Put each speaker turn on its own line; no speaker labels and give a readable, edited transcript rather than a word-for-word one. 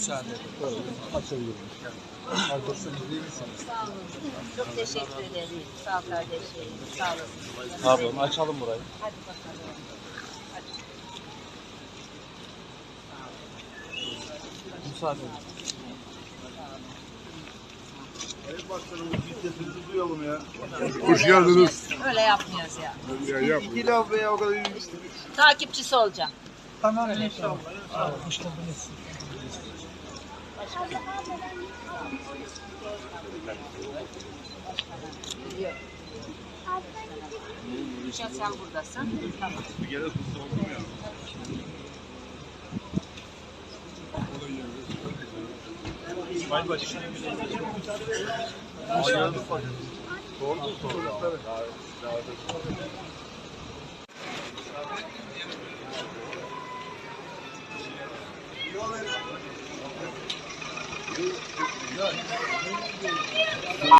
müsaade.
Açabilirim. Nasılsınız, iyi misiniz?
Sağ olun. Çok teşekkür ederim. Sağ ol kardeşlerim. Sağ olasın.
Pardon, açalım burayı.
Hadi bakalım. Hadi.
Müsaade edin.
Sayın Başkanım, biz sesinizi duyalım ya.
Hoş geldiniz.
Öyle yapmıyoruz ya.
Ya yap.
İki laf veya o kadar yürüyüştük.
Takipçisi olacağım.
Tamam inşallah. Hoş geldiniz.
Biliyorum. Gülşen sen buradasın. Tamam.
Bir kere sustum oldum ya. İsmail Başkanım. Sordu sordu.